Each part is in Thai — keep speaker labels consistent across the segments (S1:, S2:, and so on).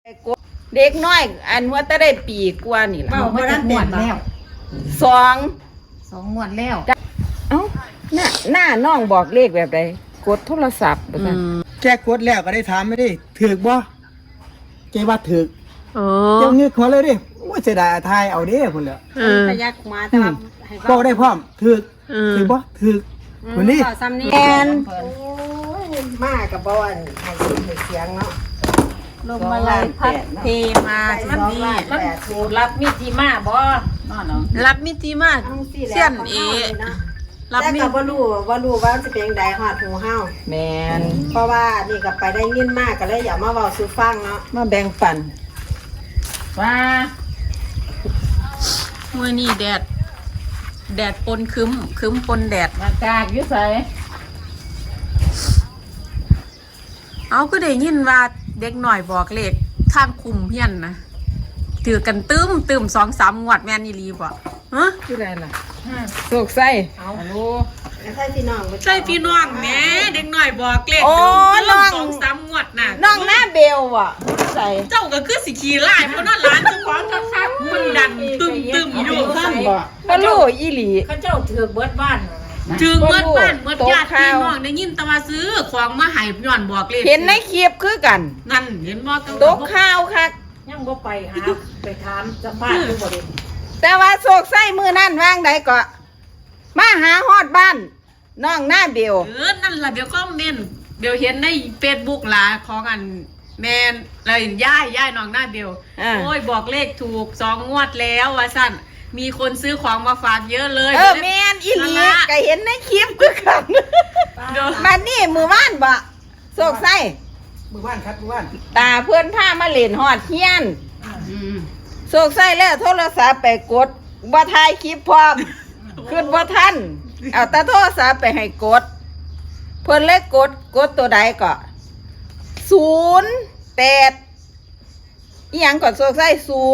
S1: เด็กน้อยอันว่าจะได้ปีกว่านี่ล่ะ
S2: บ่ได้หมดแล้ว
S1: สอง
S2: งวดแล้ว
S1: เอ้าหน้าน้องบอกเลขแบบใดกดโทรศัพท์บ่ซั่น
S3: แค่กดแล้วก็ได้ถามไม่ได้ถือบ่เจ๊ว่าถือเจ้าเงือกหัวเลยดิว่าเสียดายทายเอาเด้พุ่นแล้ว
S4: พยักมาแต่ว่า
S3: บ่ได้พร้อมถือบ่ถือคนนี้
S4: ซ้ำนี่
S1: แอน
S4: มากับบ่อนให้เสียงเนาะ
S2: ลมอะไรพัดเทมามันนี่มันรับมิติมาบ่รับมิติมาเสี้ยนเอ
S4: รับมีบ่รู้ว่าจะเป็นใดฮอดหูเฮา
S1: แม่น
S4: เพราะว่านี่ก็ไปได้ยินมากก็เลยอยากมาเว้าสู่ฟังเนาะ
S1: มาแบ่งปัน
S2: ว่ามื้อนี้แดดปนครึ้มปนแดดอากาศอยู่ไสเอาก็ได้ยินว่าเด็กหน่อยบอกเลขทางคุมเพี้ยนนะถือกันตึม2-3 งวดแม่นอีหลีบ่ฮะ
S1: คืออะไรล่ะโศกไส้
S2: ฮัลโหล
S4: ใช่พี่น้อง
S2: ใช่พี่น้องแหมเด็กหน่อยบอกเลข
S1: น้อง
S2: 2-3 งวดน่ะ
S1: น้องหน้าเบลอ่ะใส่
S2: เจ้าก็คือสิขี่ไล่เพราะนั่นร้านเจ้าของคักๆมันดังตึมอยู่
S1: ซั่นบ่รู้อีหลี
S2: เขาเจ้าถือเบิดบ้านถึงเบิดบ้านเบิดญาติพี่น้องได้ยินแต่ว่าซื้อของมาให้ย้อนบอกเลข
S1: เห็นในคลิปคือกัน
S2: นั่นเห็นบ่
S1: ตกข่าวคัก
S2: ยังบ่ไปหาไปถามสัมภาษณ์อยู่บ่ได้
S1: แต่ว่าโศกไส้มือนั่นวางใดก็มาหาฮอดบ้านน้องหน้าเบล
S2: นั่นล่ะเดี๋ยวคอมเมนต์เดี๋ยวเห็นใน Facebook ล่ะของอันแม่นเลยย่ายน้องหน้าเบลโอ้ยบอกเลขถูก2 งวดแล้วว่าซั่นมีคนซื้อของมาฝากเยอะเลย
S1: แม่นอีหลีก็เห็นในคลิปคือกันบัดนี้มือว่านบ่โศกไส้
S3: มือว่านครับมือว่าน
S1: ตาเพื่อนพามาเล่นฮอดเฮียนโศกไส้แล้วโทรศัพท์ไปกดบ่ถ่ายคลิปพร้อมขึ้นบ่ทันเอาแต่โทรศัพท์ไปให้กดเพิ่นเลยกดตัวใดก็08อีหยังก่อนโศกไส้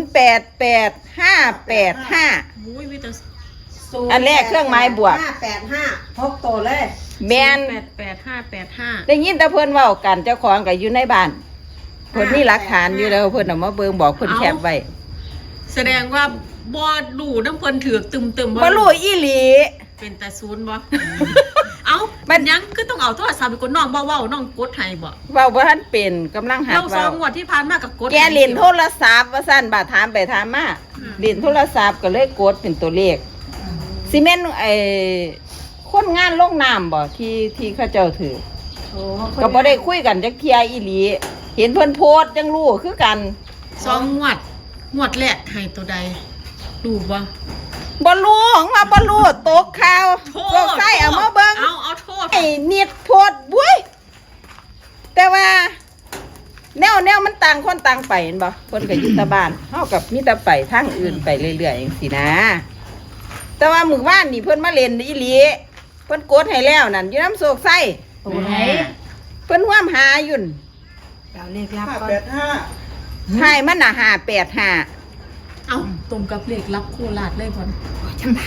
S1: 088585
S2: อุ้ยมีแต่
S1: อันแรกเครื่องไม้บวก
S4: 585พกโตเลย
S1: แม่น
S2: 8585
S1: ได้ยินแต่เพิ่นเว้ากันเจ้าของก็อยู่ในบ้านเพิ่นมีหลักฐานอยู่แล้วเพิ่นเอามาเบิ่งบอกเพิ่นแคปไว้
S2: แสดงว่าบ่รู้นำเพิ่นถือกตึม
S1: บ่รู้อีหลี
S2: เป็นแต่ศูนย์บ่เอ้ามันยังคือต้องเอาโทรศัพท์ไปกดน้องบ่เว้าน้องกดให้บ่
S1: เว้าบ่ทันเป็นกำลังหัดเว้า
S2: เรา2 งวดที่ผ่านมาก็กด
S1: แกเล่นโทรศัพท์ว่าซั่นบ่ถามไปถามมาเล่นโทรศัพท์ก็เลยกดเป็นตัวเลขซีเมนต์คนงานลงน้ำบ่ที่เขาเจ้าถือก็บ่ได้คุยกันจักเที่ยอีหลีเห็นเพิ่นโพสต์จังรู้คือกัน
S2: 2 งวดแรกให้ตัวใดรู้บ่
S1: รู้ของว่าบ่รู้ตกข่าวโศกไส้เอามาเบิ่ง
S2: เอาโทษ
S1: ไอ้นิดโพสต์บุ้ยแต่ว่าแนวมันต่างคนต่างไปเห็นบ่เพิ่นก็อยู่แต่บ้านเฮากับมีแต่ไปทางอื่นไปเรื่อยๆจังซี่นะแต่ว่ามื้อวานนี่เพิ่นมาเล่นอีหลีเพิ่นกดให้แล้วนั่นอยู่น้ำโศกไส้
S2: ตัวไหน
S1: เพิ่นร่วมหาอยู่
S4: เอาเลขลับก่อน
S1: 585ให้มันน่ะ585
S2: เอ้าตรงกับเลขลับโคราชเลยพ่อน
S4: จำได้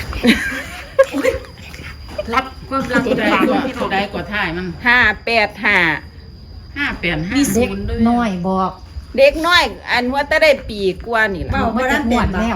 S2: รับก็รับตัวใดกว่าท้ายมัน
S1: 585
S2: มี0ด้วย
S4: น้อยบอก
S1: เด็กน้อยอันว่าจะได้ปีกว่านี่ล่ะ
S4: บ่ได้หมดแล้ว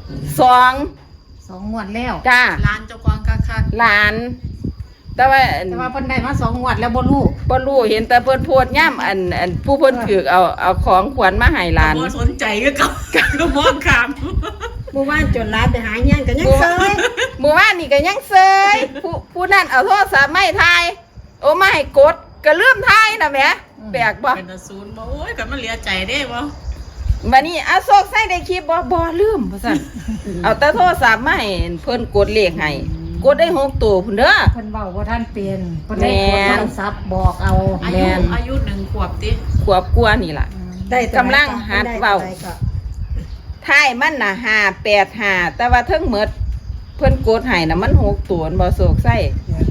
S1: 2
S4: งวดแล้ว
S1: จ้า
S2: ร้านเจ้าของคัก
S1: ๆหลานแต่ว่า
S4: เพิ่นได้มา2 งวดแล้วบ่รู้
S1: เห็นแต่เพิ่นโพสต์ย่ำอันผู้เพิ่นถือเอาของขวัญมาให้หลาน
S2: บ่สนใจก็มองข้าม
S4: เมื่อวานจนร้านไปหาหยังก็ยังเซย
S1: เมื่อวานนี่ก็ยังเซยผู้นั่นเอาโทรศัพท์มาให้ถ่ายโอ้มาให้กดก็ลืมถ่ายน่ะแหมแปลกบ่
S2: เป็นศูนย์บ่โอ้ยก็มันเหลือใจเด้บ่
S1: บัดนี้เอาโศกใส่ได้คลิปบ่ลืมว่าซั่นเอาแต่โทรศัพท์มาให้เพิ่นกดเลขให้กดได้6ตัวพุ่นเด้อ
S4: เพิ่นเว้าว่าท่านเป็นเพิ่นได้กดโทรศัพท์บอกเอา
S2: อายุ1 ขวบติ
S1: ขวบกว่านี่ล่ะกำลังหัดเว้าท้ายมันน่ะ585แต่ว่าเทิงหมดเพิ่นกดให้น่ะมัน6ตัวบ่โศกใส่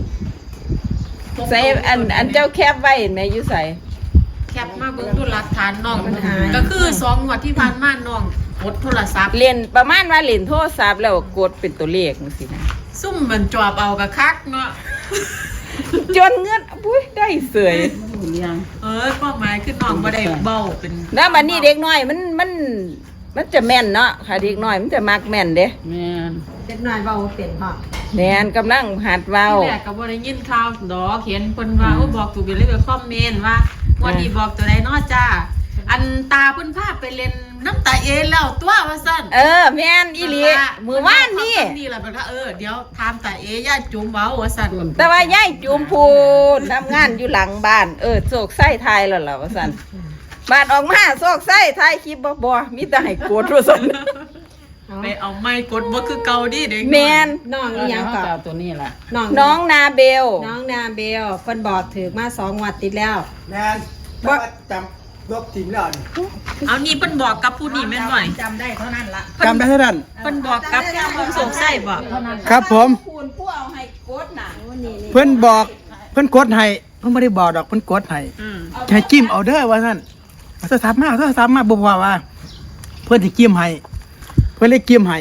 S1: อันเจ้าแคปไว้เห็นมั้ยอยู่ไส
S2: แคปมาเบิ่งดูหลักฐานน้องก็คือ2 งวดที่ผ่านมาน้องกดโทรศัพท์
S1: เล่นประมาณว่าเล่นโทรศัพท์แล้วกดเป็นตัวเลขจังซี่นะ
S2: ซุ่มมันจอบเอากะคักเนาะ
S1: จนเงินอุ้ยได้เสย
S2: ความหมายคือน้องบ่ได้เบ้าเป็น
S1: แล้วมันนี่เด็กน้อยมันจะแม่นเนาะค่ะเด็กน้อยมันจะมักแม่นเด้
S5: แม่น
S4: เด็กน้อยเว้าเป็นพ่อ
S1: แม่นกำลังหัดเว้า
S2: ที่แรกก็บ่ได้ยินข่าวดอกเห็นเพิ่นว่าโอ้บอกถูกไปเลยไปคอมเมนต์ว่าวันนี้บอกตัวใดเนาะจ้าอันตาเพิ่นพาไปเล่นน้ำตาเอแล้วตัวว่าซั่น
S1: แม่นอีหลีมือว่านนี่
S2: นี่แหละเพิ่นก็เดี๋ยวถามตาเอย่าจุ๋มเว้าว่าซั่น
S1: แต่ว่ายายจุมพูนทำงานอยู่หลังบ้านโศกไส้ไทยแล้วล่ะว่าซั่นบ้านออกมาโศกไส้ไทยคลิปบ่มีแต่ให้โกรธว่าซั่น
S2: ไปเอาไม้กดบ่คือเก่าดิเด็ก
S1: แม่น
S4: น้องอีหยัง
S5: เขา
S4: ก็
S5: จะเอาตัวนี้ล่ะ
S1: น้องนาเบล
S4: น้องนาเบลเพิ่นบอกถือมา2 งวดติดแล้ว
S3: แม่นแต่ว่าจำลบทิ้งแล้วนี่
S2: เอานี่เพิ่นบอกกับผู้นี่แม่นบ่
S5: จำได้เท่านั้นละ
S3: จำได้เท่านั้น
S2: เพิ่นบอกกับผู้สงสัยบ่
S3: ครับผม
S1: พูนผู้เอาให้โกรธน่ะ
S3: เพิ่นบอกเพิ่นกดให้เพิ่นบ่ได้บอกดอกเพิ่นกดให้
S2: อืม
S3: ให้จิ้มเอาเด้อว่าซั่นเอาโทรศัพท์มาเอาโทรศัพท์มาบ่พอว่า เพิ่นสิจิ้มให้เพิ่นเลยจิ้มให้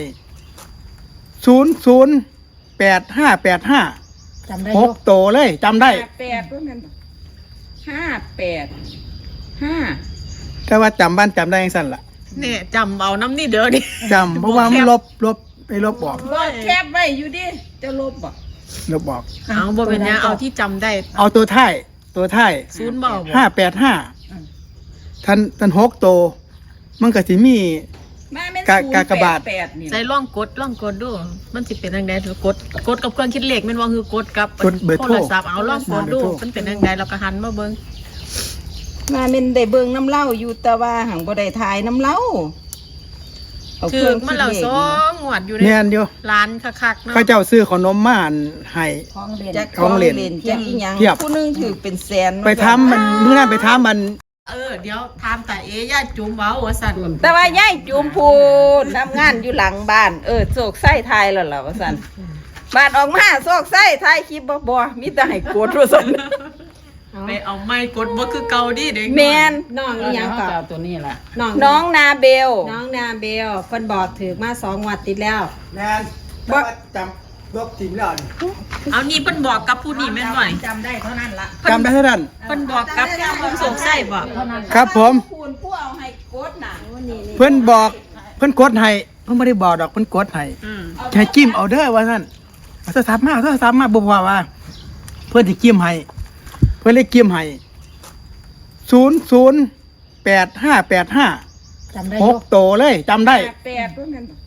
S3: 008585
S4: จำได้
S3: ห
S4: อยู่
S3: กโตเลยจำได้
S1: 58ว่าแม่น58
S3: แต่ว่าจำบ้านจำได้จังซั่นล่ะ
S2: เนี่ยจำเอาน้ำนี่เด้อดิ
S3: จำเพราะว่ามันลบไปลบออก
S1: บ่แคบไว้อยู่ดิจะลบบ่
S3: ลบออก
S2: เอาบ่เป็นหยังเอาที่จำได้
S3: เอาตัวท้าย
S2: ศูนย์บ่บ่
S3: 585ท่านหกโต มันก็สิมี
S1: มาแม่น
S3: กากบาท
S1: 088นี่
S2: ใจลองกดดูมันสิเป็นจังได๋ถือกดกับเครื่องคิดเลขแม่นว่าคือกดกับ
S3: กดเบอร์โทร
S2: โทรศัพท์เอาลองกดดู
S3: เบอร์โทร
S2: มันเป็นจังได๋แล้วก็หันมาเบิ่ง
S1: มาแม่นได้เบิ่งน้ำเหล้าอยู่แต่ว่าหังบ่ได้ถ่ายน้ำเหล้าเอา
S2: ถื
S1: เค
S2: อ
S1: รื่อง
S2: มันแล้ว
S1: คิดเลข
S2: สองงวดอยู่ใน
S3: แม่นอยู่
S2: ร้านคักๆเนาะ
S3: เขาเจ้าซื้อขนมมาให้
S5: ของเล่น
S1: จัก
S3: ของเล่น
S1: จักอีหยัง
S3: เทียบ
S1: ผู้หนึงถือเป็นแสน
S3: ไปทำมันมื้อนั้นไปทำมัน
S2: เดี๋ยวถามตาเอย่าจุ๋มเว้าว่าซั่น
S1: แต่ว่ายายจุมพูนทำงานอยู่หลังบ้านโศกไส้ไทยแล้วล่ะว่าซั่นบ้านออกมาโศกไส้ไทยคลิปบ่มีแต่ให้โกรธว่าซั่น
S2: ไปเอาไม้กดบ่คือเก่าดิเด็ก
S1: แม่น
S4: น้องอีหยัง
S5: เขา
S4: ก็
S5: จะเอาตัวนี้ล่ะ
S1: น้องนาเบล
S4: น้องนาเบลเพิ่นบอกถือมา2 งวดติดแล้ว
S3: แม่นแต่ว่าจำลบทิ้งแล้วนี่
S2: เอานี่เพิ่นบอกกับผู้นี่แม่นบ่
S5: จำได้เท่านั้นละ
S3: จำได้เท่านั้น
S2: เพิ่นบอกกับผู้สงสัยบ่
S5: เท่านั้น
S3: ครับผม
S1: พูนผู้เอาให้โกรธน่ะ
S3: เพิ่นบอกเพิ่นกดให้เพิ่นบ่ได้บอกดอกเพิ่นกดให้
S2: อืม
S3: ให้จิ้มเอาเด้อว่าซั่นเอาโทรศัพท์มาเอาโทรศัพท์มาบ่พอว่า เพิ่นสิจิ้มให้เพิ่นเลยจิ้มให้008585
S4: จำได้
S3: ห
S4: อยู่
S3: กโตเลยจำได้
S1: 58ว่าแม่น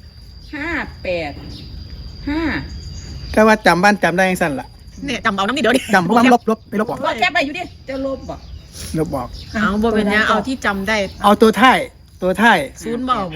S1: 585
S3: แต่ว่าจำบ้านจำได้จังซั่นล่ะ
S2: เนี่ยจำเอาน้ำนี่เด้อดิ
S3: จำเพราะว่ามันลบไปลบออก
S1: บ่แคบไปอยู่ดิจะลบบ่
S3: ลบออก
S2: เอาบ่เป็นหยังเอาที่จำได้
S3: เอาตัวท้าย
S2: ศูนย์บ่บ่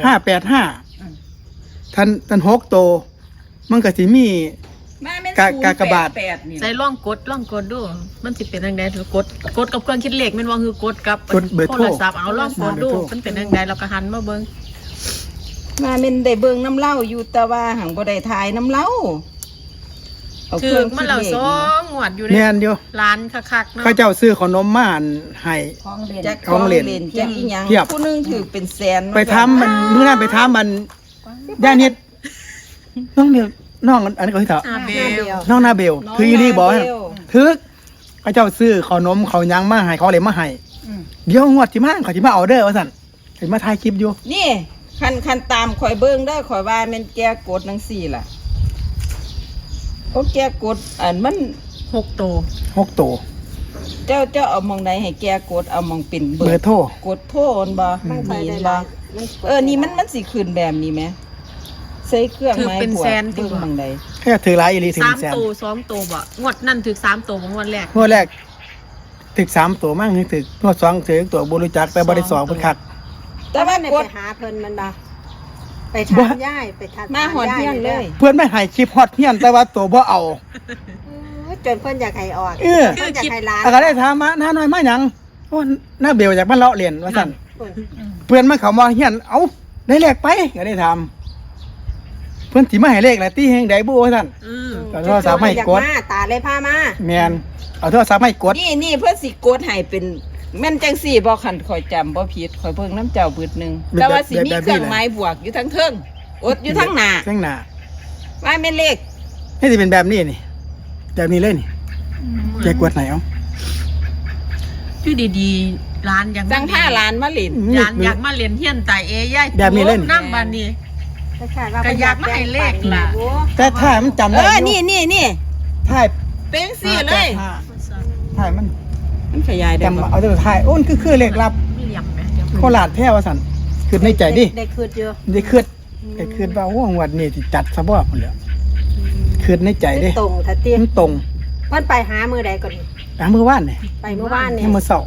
S3: 585ท่านหกโต มันก็สิมี
S1: มาแม่น
S3: กากบาท
S1: 088นี่
S2: ใจลองกดดูมันสิเป็นจังได๋ถือกดกับเครื่องคิดเลขแม่นว่าคือกดกับ
S3: กดเบอร์โทร
S2: โทรศัพท์เอาลองกดดู
S3: เบอร์โทร
S2: มันเป็นจังได๋แล้วก็หันมาเบิ่ง
S1: มาแม่นได้เบิ่งน้ำเหล้าอยู่แต่ว่าหังบ่ได้ถ่ายน้ำเหล้าเอาเค
S2: ถื
S1: รื่
S2: อ
S1: อง
S2: มันแล้ว
S1: คิด
S2: ส
S1: เล
S2: อ
S1: ข
S2: งงวดอยู่ใน
S3: แม่นอยู่
S2: ร้านคักๆเนาะ
S3: เขาเจ้าซื้อขนมมาให้
S5: ของเล่น
S1: จัก
S3: ของเล่น
S1: จักอีหยัง
S3: เทียบ
S1: ผู้หนึงถือเป็นแสน
S3: ไปทำมันมื้อนั้นไปทำมันย่านิดน้องเดียวน้องอันนี้ก็ที่เถอะ
S2: อาเบล
S3: น้องนาเบลคืออีนี่บอกให้ถึกเขาเจ้าซื้อขนมเขายังมาให้เขาเลยมาให้เดี๋ยวงวดที่มาเขาสิมาเอาเด้อว่าซั่นสิมาถ่ายคลิปอยู่
S1: นี่คันตามข่อยเบิ่งเด้อข่อยว่าแม่นแกกดจังซี่ล่ะโอ้แกกดอันมัน
S2: 6โต
S3: หกโต
S1: เจ้าเอามองใดให้แกกดเอามองเป็นเบ
S3: เบ
S1: อ
S3: อ
S1: ร์
S3: ร์โทร
S1: กดโทรนบ่นี่บ่นี่มันสิขึ้นแบบนี้ไหมใส่เครื่องไม้บวกเบิ่งมองใด
S3: แค่ถือหลายอีหลีถึงแสน
S2: 3โต2โตบ่งวดนั้นถึก3โตบ่งวดแรก
S3: งวดแรกถึก3ตัวมั่งถึกงวด2ถึกตัวบ่รู้จักแต่บ่ได้สองเพิ่นคัก
S1: แต่ว่าก
S4: ไป
S1: ด
S4: หาเพิ่นมันบ่ไปถามย่ายไปถาม
S1: มาหอนเที่ยงเลย
S3: เพื่อนไม่ให้คลิปฮอตเฮียนแต่ว่าตัวบ่เอา
S4: จนเพิ่นอยากให้ออก
S3: เออ
S4: เพิ่นอยากให้ร้าน
S3: แล้วก็ได้ถามมาหน้าน้อยมาหยังโอ้หน้าเบลอยากมาเลาะเรียนว่าซั่น
S4: เพิ่น
S3: เพื่อนมาเขามาเฮียนเอ้าได้เลขไปก็ได้ถามเพื่อนสิมาให้เลขแหละตีแห่งใดบ่ว่าซั่น
S2: อืม
S3: ก็โทรศัพท์ให้กด
S4: อยามาตาเลยพามา
S3: แม่นเอาโทรศัพท์ให้กด
S1: นี่เพื่อสิกดให้เป็นแม่นจังสี่บ่คันข่อยจำบ่ผิดข่อยเบิ่งน้ำเจ้าบึดหนึงแต่ว่าสิมีเครื่องไม้บวกอยู่ทั้งเทิงอดอยู่ทั้งหน้า
S3: ข้างหน้า
S1: ว่าแม่นเลข
S3: นี่สิเป็นแบบนี้นี่แบบนี้เลยนี่แกกดไหนเอา
S2: ออยู่ดีๆร้านยัง
S1: จังผ้าหลานมาหลิน
S2: ร้านอยากมาเรียนเฮียนไตเอย่าย
S3: แบบนี้เล่น
S2: น้ำบานนี้ ก็อยากมาให้เลขล่ะ
S3: แต่ถ่ายมันจำได้
S1: นี่
S3: ถ่าย
S1: เป็นสี่เลย
S3: ถ่ายมัน
S1: มันขยายได้
S3: จำ
S1: บ่
S3: เอาแต่ถ่ายโอ้นคือเลขลับ
S2: ไม่เหลี่ยมไหมเดี๋ยว
S3: โคราชแท้ว่าสั่นคือในใจดิ
S4: ได้คืดเยอะ
S3: ได้คืดได้คืดว่าโอ้งวดนี้สิจัดซะบ่พุ่นแหล้วคืดในใจดิ
S4: ตรงถ้าเตี้ย
S3: มันตรง
S4: มันไปหามือใดก่อน
S3: มื้อวานนี่
S4: ไปเมื่อวานนี่
S3: มื้อเช้า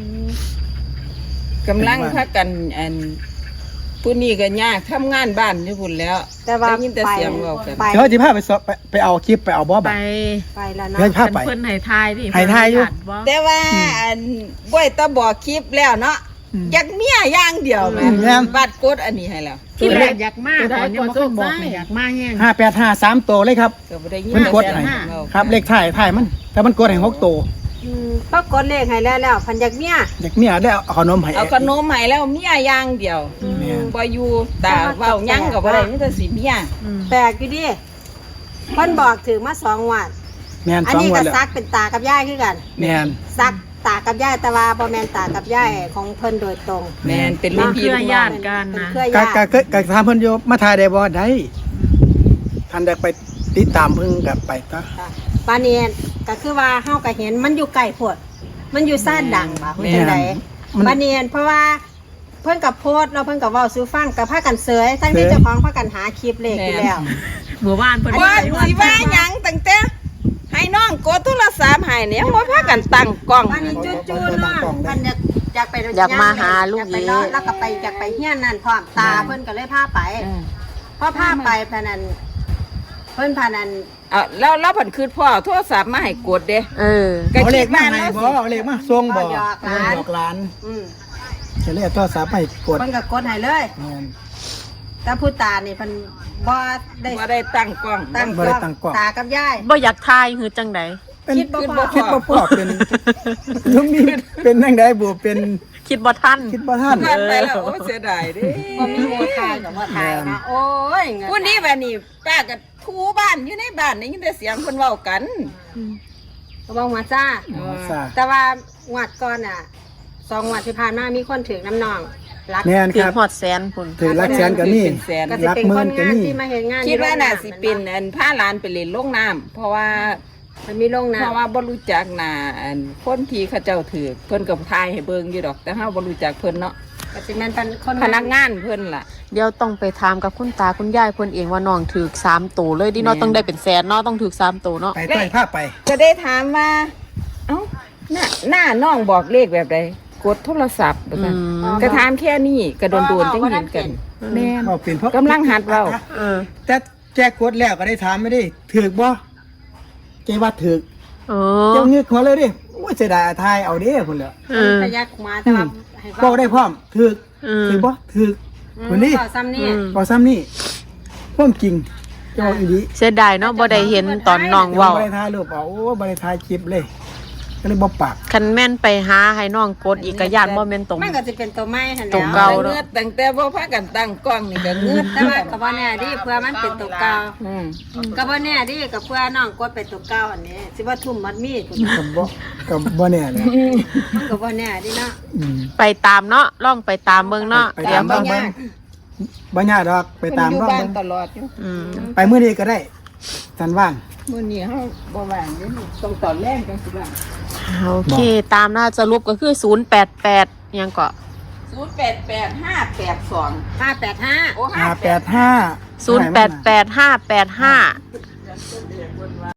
S1: กำลังพักกันอันผู้นี้ก็ยากทำงานบ้านอยู่พุ่นแล้ว
S4: แต่ว่า
S1: ได้ยินแต่
S4: ไป
S1: เสียงเว้ากัน
S4: ไป
S3: เดี๋ยวสิพาไปสอบไปเอาคลิปไปเอาบ่
S2: ไป
S3: บัด
S4: ไปแล้ว
S3: เดี๋ยว
S4: เนาะ
S3: พาไป
S2: เพิ่นให้ทายดิ
S3: ให้ทายอยู่
S2: บ่
S1: แต่ว่าอันบ่อยตะบอกคลิปแล้วเนาะ
S3: อืม
S1: อยากเมียอย่างเดียวแม่
S3: แม่น
S1: บัดกดอันนี้ให้แล้ว
S2: ที่แรกอยากมากตอนนี้บ่บอกเลยอยากมากแห้ง
S3: 5853ตัวเลยครับ
S1: ก็บ่ได้ยิน
S3: มันกดให้
S1: แต่เสียงเว้า
S3: ครับเลขถ่ายมันแต่มันกดให้6ตัว
S4: ก็กดเลขให้แล้วพันยักเมีย
S3: อยากเมียได้เอาขนมให้
S1: เอาขนมให้แล้วเมียอย่างเดียว
S3: แม่น
S1: บ่อยู่ตาเว้าหยังก็บ่ได้มีแต่สิเมีย
S4: แปลกอยู่ดิเพิ่นบอกถือมา2 วัน
S3: แม่น
S4: อัน
S3: 2
S4: นี้
S3: วั
S4: ก็
S3: นแล้ว
S4: ซักเป็นตากับยายคือกัน
S3: แม่น
S4: ซักตากับยายแต่ว่าบ่แม่นตากับยายของเพิ่นโดยตรง
S1: แม่นเป็นรุ่นพี่
S2: เครือ
S1: รุ่น
S2: ญา
S1: น้อง
S2: ติกัน
S4: เป็น
S2: นะ
S4: เครือ
S3: ก็
S4: ญาติ
S3: ก็ถามเพิ่นอยู่มาถ่ายได้บ่ได้ท่านได้ไปติดตามเพิ่นก็ไปซะ
S4: ค่ะปานนี้ก็คือว่าเฮาก็เห็นมันอยู่ไกลโพดมันอยู่ซ่านดังบ่ฮู้จังได๋
S3: มัน
S4: ปานนี้เพราะว่าเพิ่นก็โพสต์แล้วเพิ่นก็เว้าสู่ฟังก็พากันเสยทั้งที่เจ้าของพากันหาคลิปเลขอยู่แล้ว
S2: เมื่อวานเพิ่น
S1: ว่าสิว่าหยังตั้งแต่ให้น้องกดโทรศัพท์ให้เนี่ยบ่พากันตั้งกล้อง
S4: ปานนี้จู่ๆเนาะเพิ่นอยากไป
S2: อยากมาหาลูก
S4: อยากไป
S2: นี้
S4: เนาะแล้วก็ไปอยากไปเฮียนนั่นพร้อมตาเพิ่นก็เลยพาไปพอพาไปพะนันเพิ่นพานัน
S1: เอาแล้วเพิ่นคือพ่อโทรศัพท์มาให้กดเด้ ก็
S3: เอาเล
S1: คิ
S3: ข
S1: ด
S3: มา
S1: ว่า
S3: ให้
S1: แล้ว
S3: บ่
S1: สิ
S3: เอาเลขมาส่งบ่
S4: หยอกหลาน
S3: หยอกหลาน
S4: อืม
S3: จะเลขโทรศัพท์ให้กด
S4: เพิ่นก็กดให้เลย
S3: แม่น
S4: แต่ผู้ตานี่เพิ่นบ่ได้
S1: บ่ได้ตั้งกล้อง
S4: ตั้ง
S3: บ่ได้ตั้งกล้อง
S4: ตากับยาย
S2: บ่อยากทายคือจังได
S3: เป็น
S4: คิดบ่พอ
S3: คิดบ่พอเป็นลุงนี่เป็นจังได๋บ่เป็น
S2: คิดบ่ทัน
S3: คิดบ่ทัน
S1: ผ่านไปแล้วโอ้เสียดายเด้
S4: บ่มีโมทายกับว่าทายนะโอ้ยเงิน
S1: ผู้นี้แบบนี้ป้าก็ทูบ้านอยู่ในบ้านได้ยินแต่เสียงเพิ่นเว้ากัน
S4: ก็บอกมาจ้า
S3: อ๋อซ่า
S4: แต่ว่างวดก่อนอ่ะ2 งวดที่ผ่านมามีคนถึงน้ำนองรัก
S3: แม่น
S2: ถึ
S3: ค
S2: ง
S3: รับ
S2: ฮอดแสนพุ่น
S3: ถือรักแสนก็มี
S1: เป็นแสน
S4: ก็สิ
S3: รัก
S4: เป็น
S3: หมื่
S4: คน
S3: นก็
S4: งาน
S3: มี
S4: ที่มาเห็นงาน
S1: คิดว่าน่า
S4: อยู่
S1: สิเป็นอันพาหลานไปเล่นโรงน้ำเพราะว่า
S4: มันมีโรงน้
S1: เพราะว่าบ่รู้จักหน้าอันคนที่เขาเจ้าถือเพิ่นก็ทายให้เบิ่งอยู่ดอก แต่เฮาบ่รู้จักเพิ่นเนาะ
S4: ำก็สิแม่นเป็นคน
S1: พนักงานเพิ่นล่ะ
S2: เดี๋ยวต้องไปถามกับคุณตาคุณยายเพิ่นเองว่าน้องถูก3ตัวเลยดิเนาะ
S1: แม่น
S2: ต้องได้เป็นแสนเนาะต้องถูก3ตัวเนาะ
S3: ไปต้อยภาพไป
S1: ก็ได้ถามว่า เอ้าหน้าน้องบอกเลขแบบใดกดโทรศัพท์บ่ซั่นก็ถามแค่นี้ก็โดนๆจังเห็นกัน แม่น
S3: เว้าเป็นเพราะ
S1: กำลังหัดเว้า
S2: เออ
S3: แต่แจ้กดแล้วก็ได้ถามไม่ได้ถูกบ่เจว่าถูก
S2: เอ
S3: เจ้า
S2: อ
S3: เงือกหัวเลยดิโอ้ยเสียดายอาทายเอาเด้พุ่นแหล้ว
S2: เออ
S4: พยักมาแต่ว่าให้
S3: ก็ได้พร้อมถูก
S2: อืม
S3: ถูกบ่ถูกคนนี้
S4: ซ้ำนี่
S3: บ่ซ้ำนี่พร้อมจริงเจ้าอีหลี
S2: เสียดายเนาะบ่ได้เห็นตอนน้องเว้า
S3: บ่ได้ถ่ายรูปเอาโอ้บ่ได้ถ่ายคลิปเลยก็เลยบ่ปาก
S2: คันแม่นไปหาให้น้องกดอีกก็ย่านบ่แม่นตรง
S4: มันก็จะเป็นตัวไม้หั่น
S2: ตัว
S4: แล้
S2: เก่า
S4: ว
S1: เงือดตั้งแต่บ่พากันตั้งกล้องนี่ก็เงือด
S4: แต่ว่าก็บ่แน่ดิเพื่อมันเป็นตัวเก่า
S1: อืม
S4: ก็บ่แน่ดิก็เพื่อน้องกดเป็นตัวเก่าอันนี้สิว่าทุ่มมัดมีดพุ่น
S3: ก็บ่แน่เลย
S4: มันก็บ่แน่ดิเนาะ
S3: อืม
S2: ไปตามเนาะลองไปตามเบิ่งเนาะ
S3: ไป
S2: เดี๋ย
S3: ตาว ม
S2: เบิ่
S3: บ้าง งบ่ยากดอกไปตาม
S1: เพิ่นอยู่
S3: บ้าง
S1: บ้านตลอดอยู่
S2: อืม
S3: ไปมื้อนี้ก็ได้สันว่าง
S1: มื้อนี้เฮาบ่ว่างเด้นี่ต้องตอนแรกจังสิว่าง
S2: โอเค ตามหน้าสรุปก็คือ088ยังก็
S1: 088582
S4: 585
S1: โอ้
S3: 585
S2: 088585